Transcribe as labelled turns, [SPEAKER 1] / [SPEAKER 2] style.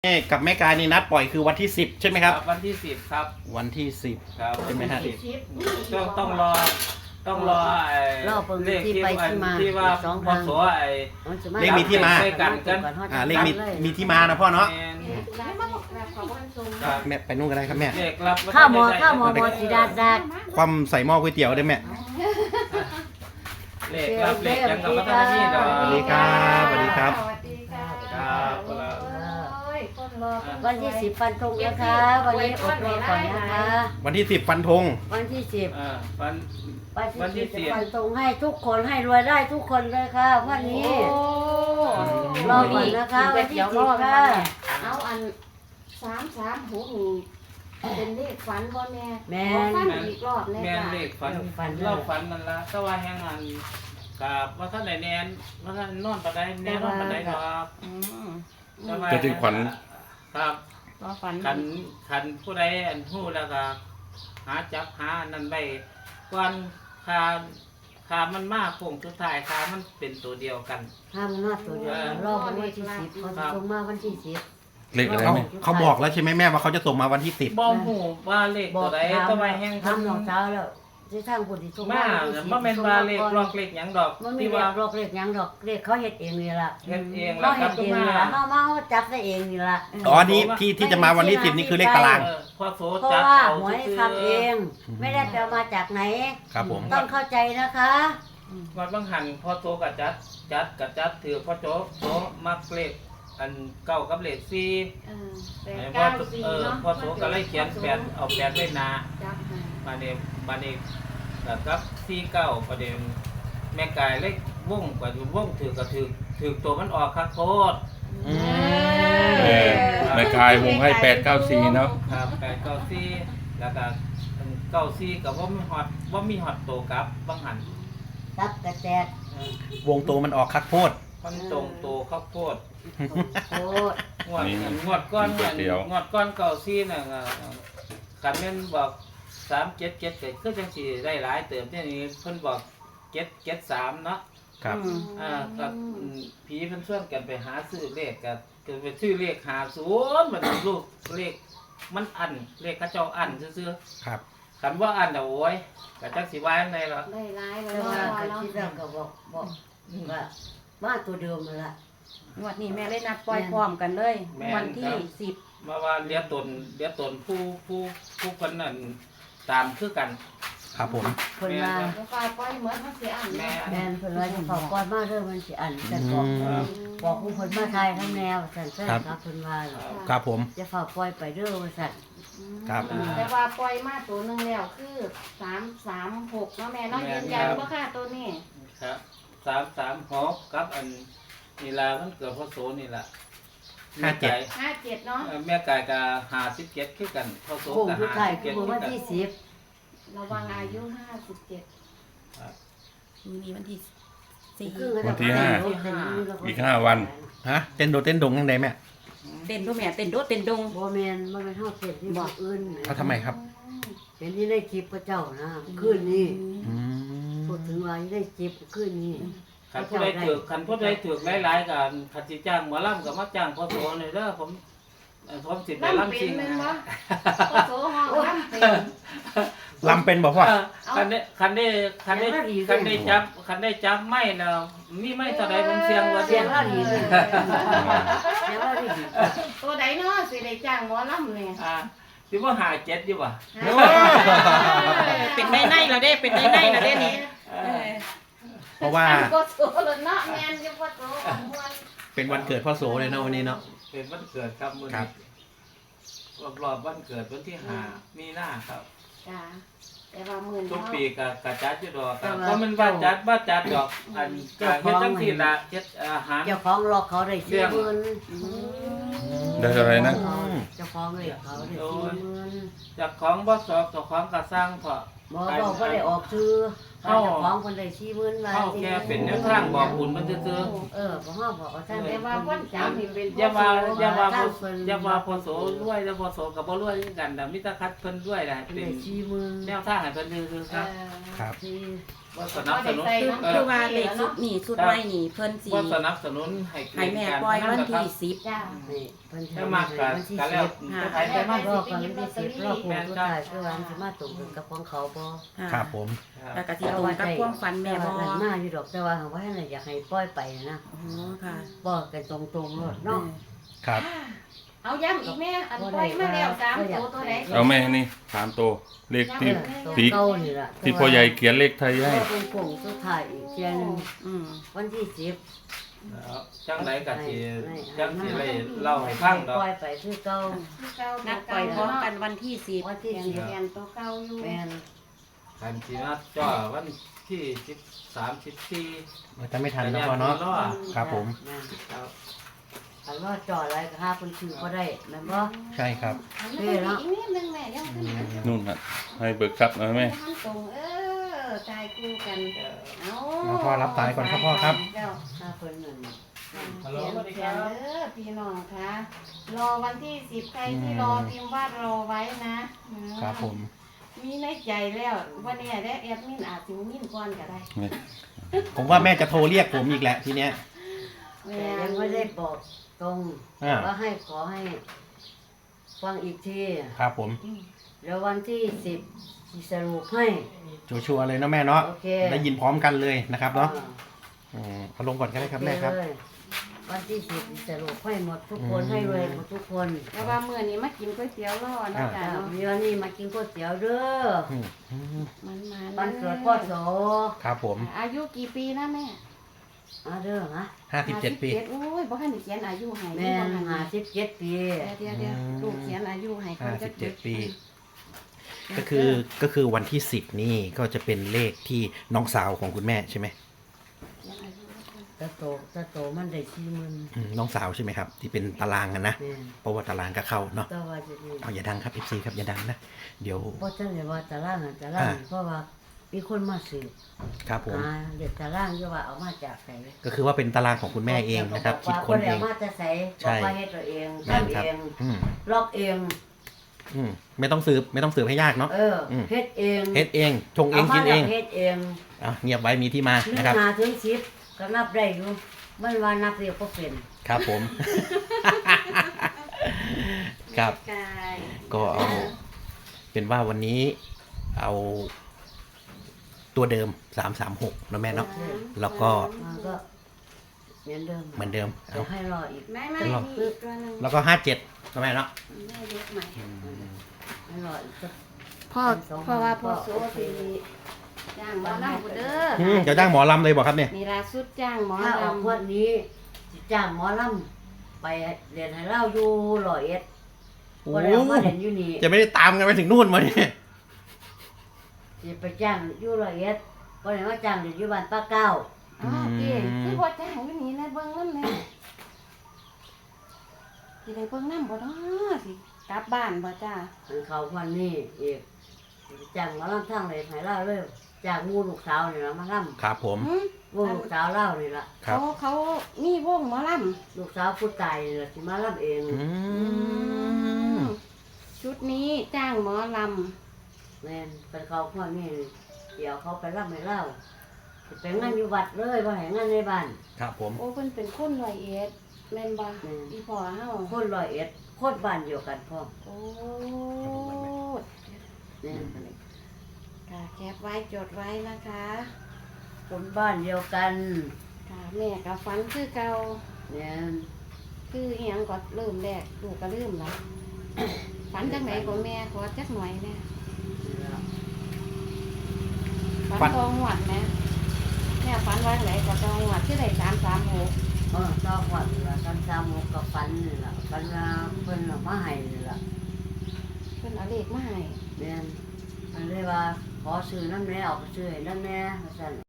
[SPEAKER 1] กับแม่กายนี่นัดปล่อยคือวันที่10ใช่ไหมครับ
[SPEAKER 2] วันที่10ครับ
[SPEAKER 1] วันที่
[SPEAKER 2] ครับ
[SPEAKER 1] 10ใช่ไหมฮะ
[SPEAKER 2] ต้องรอเลขที่ว่าพอสว
[SPEAKER 1] เลขมีที่มา
[SPEAKER 2] กัน
[SPEAKER 1] เลขมีที่มานะพ่อเนาะ
[SPEAKER 2] ครับ
[SPEAKER 1] แม่ไปนู่นก็ได้ครับแม่
[SPEAKER 2] เลขรับ
[SPEAKER 3] ข้าวหมอสีดาด
[SPEAKER 1] ความใส่หม้อก๋วยเตี๋ยวได้แม่
[SPEAKER 2] เลขรับเลขยังกับพัฒนาที่ดอก
[SPEAKER 1] สวัสดีครับสวัสดีครับ
[SPEAKER 2] ครับ
[SPEAKER 3] วันที่10ฟันธงนะคะวันนี้อดรอก่อนนะคะ
[SPEAKER 1] วันที่10ฟันธง
[SPEAKER 3] วันที่10
[SPEAKER 2] วัน
[SPEAKER 3] วันที่10ฟันธงให้ทุกคนให้รวยได้ทุกคนเลยค่ะวันนี้รอก่อนนะคะวันที่10ค่ะ
[SPEAKER 4] เอาอัน336นี่เป็นเลขฝันบ่แม่
[SPEAKER 3] แม่
[SPEAKER 4] ฝันอีกรอบเลย
[SPEAKER 2] แม่น
[SPEAKER 4] ค่ะ
[SPEAKER 2] เลขฝันเราฝันนั่นละแต่ว่าแห่งอันกับว่าท่านไหนแนนว่าท่านนอนปานใดแนนนอนปานใดครับ
[SPEAKER 5] จะถึงขวัญ
[SPEAKER 2] ครับ
[SPEAKER 4] รอฝัน
[SPEAKER 2] ขันผู้ใดอันหู้แล้วก็หาจับหานั่นไว้ก่อนคามันมากโค้งสุดท้ายคามันเป็นตัวเดียวกัน
[SPEAKER 3] ห้ามนอดตัวเดียวรอวันที่10ฟันธงมาวันที่10
[SPEAKER 5] เลขอะไรไหม
[SPEAKER 1] เขาบอกแล้วใช่ไหมแม่ว่าเขาจะส่งมาวันที่10
[SPEAKER 2] บ่หูว่าเลขตัวใดตัวใดแห่ง
[SPEAKER 3] ทำรองเท้าแล้วที่ทางบุญที่ส่ง
[SPEAKER 2] มาบ่แม่นว่าเลขลอกเลขหยังดอก
[SPEAKER 3] มันมี
[SPEAKER 2] ที่
[SPEAKER 3] เรีย
[SPEAKER 2] ว่าก
[SPEAKER 3] โรคเรียกหยังดอกเรียกเขาเฮ็ดเองนี่ล่ะ
[SPEAKER 2] เฮ็ดเอง
[SPEAKER 3] เขา
[SPEAKER 2] แล้วค
[SPEAKER 3] เฮ็
[SPEAKER 2] รับ
[SPEAKER 3] ดเองนี่ล่ะเขาจับได้เองนี่ล่ะ
[SPEAKER 1] อ๋อนี่ที่จะมาวันที่10นี่คือเลขตาราง
[SPEAKER 2] พอโส
[SPEAKER 3] เพราะ
[SPEAKER 2] จับ
[SPEAKER 3] ว่า
[SPEAKER 2] เอา
[SPEAKER 3] หวย
[SPEAKER 2] ซื่อ
[SPEAKER 3] ทำเอง ไม่ได้ไปเอามาจากไหน
[SPEAKER 1] ครับผม
[SPEAKER 3] ต้องเข้าใจนะคะ
[SPEAKER 2] วัดบางหันพอโสกับจัดถือพอโสมักเลขอันเก้ากับเลข4พอพอโสก็เลยเขียน8เอา8ไว้หน้า
[SPEAKER 4] จับให้
[SPEAKER 2] มาเนี่ยแล้วกับ49ประเด็นแม่กายเล็กวงกว่าอยู่วงถือก็ถือตัวมันออกคักโคตร
[SPEAKER 1] อืม
[SPEAKER 5] แม่กายวงให้894เนาะ
[SPEAKER 2] ครับ894แล้วก็94กับว่ามีฮอตโตกับบางหัน
[SPEAKER 3] ตับกระแจก
[SPEAKER 1] วงโตมันออกคักโพด
[SPEAKER 2] มันตรงโตข้าวโพด
[SPEAKER 3] โคตรง
[SPEAKER 2] วดก้อน94น่ะคันแม่นบอก377ก็คือจังสิได้หลายเติมเนี่ยนี่เพิ่นบอก773เนาะ
[SPEAKER 1] ครับ
[SPEAKER 2] กับผีเพิ่นชวนกันไปหาซื้อเลขก็ไปซื้อเลข50มันลูกเลขมันอันเลขเขาเจ้าอันซื่อ
[SPEAKER 1] ครับ
[SPEAKER 2] ๆคันว่าอันน่ะโอ้ยก็จักสิว่าจังได๋ล่ะ
[SPEAKER 4] ได้ร้ายแล้
[SPEAKER 3] แต่
[SPEAKER 4] ว
[SPEAKER 3] ว่า
[SPEAKER 4] ว่า
[SPEAKER 3] ก็
[SPEAKER 4] เนาะ
[SPEAKER 3] คิดแล้วก็บอกว่ามาตัวเดิมนั่นล่ะ
[SPEAKER 6] งวดนี้แม่เลยนัดปล่อยพร้อมกันเลย วันที่10
[SPEAKER 2] มาว่าเหลียตนผู้เพิ่นนั่นตามคือกัน
[SPEAKER 1] ครับผม
[SPEAKER 3] เพิ่นว่า
[SPEAKER 4] แล้วก็ปล่อยเหมือนมันสิอัน
[SPEAKER 2] แม่
[SPEAKER 3] แม่นเพิ่นว่าจะขอก่อนมาเด้อมันสิอันแต่บอกผู้เพิ่นมาทายทั้งแนวสั่นแท้ครับเพิ่นว่า
[SPEAKER 1] ครับผม
[SPEAKER 3] จะฝากปล่อยไปเด้อว่าสั่น
[SPEAKER 1] ครับ
[SPEAKER 4] แต่ว่าปล่อยมาตัวหนึงแล้วคือ336เนาะแม่เนาะยืนยันบ่ค่ะตัวนี้
[SPEAKER 2] ครับ336กับอันนี่ล่ะมันเกิดพศนี่ล่ะ
[SPEAKER 4] 57เนาะ
[SPEAKER 2] แม่กายก็57คือกันพศ
[SPEAKER 3] โค้ง
[SPEAKER 2] ก็
[SPEAKER 3] สุดท้ายคือ
[SPEAKER 2] 57
[SPEAKER 3] วันที่10
[SPEAKER 4] ระวังอายุ57
[SPEAKER 6] มีวันที่
[SPEAKER 3] คือ
[SPEAKER 5] วันที่ห้า อีก5 วัน
[SPEAKER 1] ฮะเต้นโดดเต้นดงยังไงแม่
[SPEAKER 6] 4เต้นด้วยแม่เต้นโดดเต้นดง
[SPEAKER 3] บ่แม่นบ่แม่นเฮาเฮ็ดที่บ่อื่น
[SPEAKER 1] เขาทำไมครับ
[SPEAKER 3] เห็นที่ในคลิปพระเจ้านะคืนนี้
[SPEAKER 1] อืม
[SPEAKER 3] พูดถึงว่าที่ในคลิปคืนนี้
[SPEAKER 2] คันผู้ใดถือหลายๆกันคันสิจ้างหมอลำก็มาจ้างพศนี่เด้อผมสิไป
[SPEAKER 4] ลำ
[SPEAKER 2] ลำ
[SPEAKER 4] เป็
[SPEAKER 2] ซิ
[SPEAKER 4] น
[SPEAKER 2] ง
[SPEAKER 4] แม่น
[SPEAKER 2] นะ
[SPEAKER 4] บ่โสห้องลำเป็น
[SPEAKER 1] ลำเป็นบอกพ่อ
[SPEAKER 2] คันได้จับไม่แล้วมีไม่เท่าใดผมเสียงว่า
[SPEAKER 3] เสียงเราดีเลยเสียงเราดี
[SPEAKER 4] ตัวใดเนาะสิได้จ้างหมอลำเนี่ย
[SPEAKER 2] สิว่า57อยู่ว่ะ
[SPEAKER 6] เป็นในเราได้เป็นในเราได้นี่
[SPEAKER 1] เพราะว่า
[SPEAKER 4] ก็โสเลยเนาะแม่นอยู่บ่โสของมวล
[SPEAKER 1] เป็นวันเกิดพ่อโสเลยเนาะวันนี้เนาะ
[SPEAKER 2] เป็นวันเกิดครับมื้อ
[SPEAKER 1] ครั
[SPEAKER 2] นี้
[SPEAKER 1] บ
[SPEAKER 2] รอบวันเกิดวันที่5มีนาครับ
[SPEAKER 4] จ้าแต่ว่ามื้อ
[SPEAKER 2] ทุ
[SPEAKER 4] นี้
[SPEAKER 2] กปีก็จัดอยู่ดอกครับก็มันว่าจัดดอกอันก็เฮ็ดจังซี่ล่ะเฮ็ดอาหาร
[SPEAKER 3] เจ้าของหลอกเขาได้40,000
[SPEAKER 5] ได้เท่าไหร่นะ
[SPEAKER 3] เจ้าของเลยเขาได้40,000
[SPEAKER 2] จากของบ่สอบเจ้าของก็สร้างเพาะ
[SPEAKER 3] บ่บอกว่าได้ออกชื่อเจ้าของคนได้40,000ว่า
[SPEAKER 2] เฮาแค่เป็นแนวทางบอกบุญมันซื่อ
[SPEAKER 3] บ่ฮ้อบอกว่าท่าน
[SPEAKER 4] แต่ว่าวันจันทร์นี่เป็น
[SPEAKER 2] ๆอย่าว่าพอโสรวยแล้วพอโสก็บ่รวยคือกันแต่มีแต่คัดเพิ่นรวยได้
[SPEAKER 3] ได้
[SPEAKER 2] เป็น
[SPEAKER 3] 40,000
[SPEAKER 2] แนวทางให้เพิ่นซื่อๆครับ
[SPEAKER 1] ครับ
[SPEAKER 3] 40,000
[SPEAKER 2] ว่าสนับสนุน
[SPEAKER 6] คือว่าเลขสุดนี่สุดไว้นี่เพิ่นสิ
[SPEAKER 2] ว่าสนับสนุนให้
[SPEAKER 6] ให้แม่ปล่อยวันที่10
[SPEAKER 4] จ้า
[SPEAKER 3] นี่เพิ่น
[SPEAKER 2] ถ้ามากกัน
[SPEAKER 3] วันที่
[SPEAKER 2] กัน
[SPEAKER 3] 10
[SPEAKER 2] แล้ว
[SPEAKER 3] ใครจะมารอบกันวันที่10รอบโค้งสุดท้ายคือวันสิมาตรงกันกับของเขาบ่
[SPEAKER 1] ครับผม
[SPEAKER 6] แล้วก็สิตรงกับความฝันแม่บ่
[SPEAKER 3] แต่ว่ามาอยู่ดอกแต่ว่าว่าให้อยากให้ปล่อยไปนะ
[SPEAKER 6] อ๋อค่ะ
[SPEAKER 3] บอกกันตรงๆโลดเนาะ
[SPEAKER 1] ครับ
[SPEAKER 4] เอาย้ำอีกแม่อันปล่อยมาแล้ว3ตัวไหน
[SPEAKER 5] เอาแม่นี่3ตัวเลขที่
[SPEAKER 3] ตัว
[SPEAKER 5] ที่
[SPEAKER 3] เก่านี่ล่ะ
[SPEAKER 5] ที่พ่อใหญ่เขียนเลขไทยให้
[SPEAKER 3] ก็เป็นโค้งสุดท้ายอีกเที่ยหนึง
[SPEAKER 6] อืม
[SPEAKER 3] วันที่10
[SPEAKER 2] จังไรก็สิจังสิได้เล่าให้ฟังดอก
[SPEAKER 3] ปล่อยไปคือเก่า
[SPEAKER 6] นัดปล่อยพร้อมกันวันที่10
[SPEAKER 3] วันที่
[SPEAKER 4] เขียนตัวเก่าอยู่
[SPEAKER 3] 10แม่น
[SPEAKER 2] กันสินัดจ่อวันที่13 14
[SPEAKER 1] จะไม่ทันแล้วพ่อเนาะ ครับผม
[SPEAKER 3] แม่นอันว่าจอดอะไรก็หาคนชื่อบ่ได้แม่นบ่
[SPEAKER 1] ใช่ครับ
[SPEAKER 4] อันนี้อีกนิดนึงแม่ยังขึ้นนะ
[SPEAKER 5] นู่นน่ะให้เบิกทรัพย์หน่อยแม่
[SPEAKER 4] ทำตรงใจคู่กันเอา
[SPEAKER 1] พ่อรับสายก่อนครับพ่อครับ
[SPEAKER 4] เดี๋ยว
[SPEAKER 3] หาเพิ่นนั่น
[SPEAKER 2] ฮัลโหล
[SPEAKER 4] เขียน
[SPEAKER 2] สวัสดี
[SPEAKER 4] เขี
[SPEAKER 2] ค
[SPEAKER 4] ย
[SPEAKER 2] รั
[SPEAKER 4] น
[SPEAKER 2] บ
[SPEAKER 4] พี่น้องคะรอวันที่10ใครที่รอพิมพ์ว่ารอไว้นะครับ
[SPEAKER 1] ผม
[SPEAKER 4] มีในใจแล้ววันนี้ได้แอดมินอาจสิมินก่อนก็ได้
[SPEAKER 1] ผมว่าแม่จะโทรเรียกผมอีกแหละทีเนี้ย
[SPEAKER 3] แต่ยังไม่ได้บอกตรง
[SPEAKER 1] อ่า
[SPEAKER 3] ว่าให้ขอให้ฟังอีกที
[SPEAKER 1] ครับผม
[SPEAKER 3] แล้ววันที่10สิสรุปให้
[SPEAKER 1] ชัวร์ๆเลยเนาะแม่เนาะ
[SPEAKER 3] โอเค
[SPEAKER 1] ได้ยินพร้อมกันเลยนะครับเนาะ
[SPEAKER 3] อ่
[SPEAKER 1] เอาลงก่อนก็ได้ครับแม่ครับ
[SPEAKER 3] โอเเลยวันที่10สิสรุปให้หมดทุกคนให้รวยหมดทุกคน
[SPEAKER 4] แต่ว่ามื้อนี้มากินก๋วยเตี๋ยวรอนะจ๊ะ
[SPEAKER 3] จ้า
[SPEAKER 4] เนาะ
[SPEAKER 3] มีวันนี้มากินก๋วยเตี๋ยวเด้อ
[SPEAKER 1] อืม
[SPEAKER 4] มันมา
[SPEAKER 3] วันเกิดพ่อโส
[SPEAKER 1] ครับผม
[SPEAKER 4] อายุกี่ปีนะแม่
[SPEAKER 3] มาเด้อฮะ
[SPEAKER 1] 57 ปี
[SPEAKER 4] 57โอ้ยบ่ทันได้เขียนอายุให้
[SPEAKER 3] แม่
[SPEAKER 4] บ่ทันได้
[SPEAKER 3] 57ปี
[SPEAKER 4] เดี๋ยวลูกเขียนอายุให้เขาจะ
[SPEAKER 1] 57 ปี ก็คือวันที่ 10 นี่ก็จะเป็นเลขที่น้องสาวของคุณแม่ใช่ไหม
[SPEAKER 3] ตะโตมันได้40,000
[SPEAKER 1] น้องสาวใช่ไหมครับ ที่เป็นตารางกันนะ
[SPEAKER 3] แม่น
[SPEAKER 1] เพราะว่าตารางก็เข้าเนาะ
[SPEAKER 3] แต่ว่าจะนี่
[SPEAKER 1] เอาอย่าดังครับ FC ครับอย่าดังนะ เดี๋ยว
[SPEAKER 3] เพราะฉะนั้นว่าตารางอะตารางนี่เพราะว่ามีคนมาสืบ
[SPEAKER 1] ครับผม
[SPEAKER 3] เด็กตารางอยู่ว่าเอามาจากไหน
[SPEAKER 1] ก็คือว่าเป็นตารางของคุณแม่เองนะครับ คิดค้นเอง
[SPEAKER 3] เอามาจะใส่
[SPEAKER 1] ใช่
[SPEAKER 3] บอกว่าเฮ็ดตัวเอง
[SPEAKER 1] แม่น
[SPEAKER 3] ทำ
[SPEAKER 1] ครับ
[SPEAKER 3] เอง
[SPEAKER 1] อืม
[SPEAKER 3] ลอกเอง
[SPEAKER 1] ไม่ต้องสืบให้ยากเนาะ ม
[SPEAKER 3] เฮ็ดเอง
[SPEAKER 1] เฮ็ดเองชงเองกินเอง
[SPEAKER 3] ามาแล้วเฮ็ดเอง
[SPEAKER 1] อ่ะเงียบไว้มีที่มา
[SPEAKER 3] หนึ่ง
[SPEAKER 1] นะครับ
[SPEAKER 3] หาถึง10ก็นับได้อยู่มันว่านับเรียกก็เป็น
[SPEAKER 1] ครับผม ครับ
[SPEAKER 4] กาย
[SPEAKER 1] ก็เอาเป็นว่าวันนี้เอาตัวเดิม336นะแม่เนาะ แล้วก็
[SPEAKER 3] มันก็เหมือนเดิม
[SPEAKER 1] เหมือนเดิม
[SPEAKER 3] เดี๋ยวให้รออีก
[SPEAKER 4] ไม่มีอีกตัวหนึง
[SPEAKER 1] แล้วก็57นะแม่เนาะ
[SPEAKER 4] ได้เยอะใหม่
[SPEAKER 3] ให้รออีกสัก
[SPEAKER 4] เพราะว่าพ่อโซสิจ้างหมอลำกูเด้อ
[SPEAKER 1] จะจ้างหมอลำเลยบอกครับเนี่ย
[SPEAKER 4] นี่ล่าสุดจ้างหมอ
[SPEAKER 3] ถ้าออก
[SPEAKER 4] ลำ
[SPEAKER 3] วันนี้สิจ้างหมอลำไปเรียนให้เล่าอยู่101
[SPEAKER 1] โอ้
[SPEAKER 3] บ่ได้เอามาเรียนอยู่นี่
[SPEAKER 1] จะไม่ได้ตามกันไปถึงนู่นมาเนี่ย
[SPEAKER 3] สิไปจ้างอยู่101บ่ได้มาจ้างเรียนอยู่บ้านป้าเก้า
[SPEAKER 4] อ๋อพี่คือบ่จ้างอยู่นี่นะเบิ่งนำแม่สิได้เบิ่งนำบ่เนาะสิกลับบ้านบ่จ้า
[SPEAKER 3] อันเขาวันนี้อีกจ้างหมาลำทั้งเลยให้เล่าเลยจากงูลูกสาวนี่ละมาล
[SPEAKER 1] ครับผม
[SPEAKER 4] หึ
[SPEAKER 3] ำงูลูกสาวเล่านี่ละ
[SPEAKER 1] ครับ
[SPEAKER 4] เขามีวงหมอลำ
[SPEAKER 3] ลูกสาวผู้ตายนี่ละสิมาลำเอง
[SPEAKER 1] อืม
[SPEAKER 4] ชุดนี้จ้างหมอล
[SPEAKER 3] แม่นเป็นเขาคนนี้เดี๋ยวเขาไปลำให้เล่าสิไปงานอยู่วัดเลยว่าให้งานในบ้าน
[SPEAKER 1] ครับผม
[SPEAKER 4] ำโอ้เพิ่นเป็นคนร้อยเอ็ดแม่นบ่
[SPEAKER 3] แม่น
[SPEAKER 4] อีพ่อเฮา
[SPEAKER 3] คน101คนบ้านเดียวกันพ่อ
[SPEAKER 4] โอ้
[SPEAKER 3] แม่น
[SPEAKER 4] ค่ะแคปไว้จดไว้นะคะ
[SPEAKER 3] คนบ้านเดียวกัน
[SPEAKER 4] ค่ะแม่ก็ฝันคือเก่า
[SPEAKER 3] แม่น
[SPEAKER 4] คืออีหยังก็เริ่มแรกลูกก็ลืมละ ฝันจังไหนก็แม่ขอจักหน่อยแน่ฝันตองหวัดแม่แม่ฝันว่าไหนก็ตองหวัดที่ได้336
[SPEAKER 3] ตอกวัดนี่ละกัน3 6กับฟันนี่ละฟันว่าเพิ่นเอามาให้นี่ละ
[SPEAKER 4] เพิ่นเอาเลขมาให้
[SPEAKER 3] แม่นมันเลยว่าขอซื้อน้ำแน่เอาไปซื้อให้น้ำแน่ว่าซั่น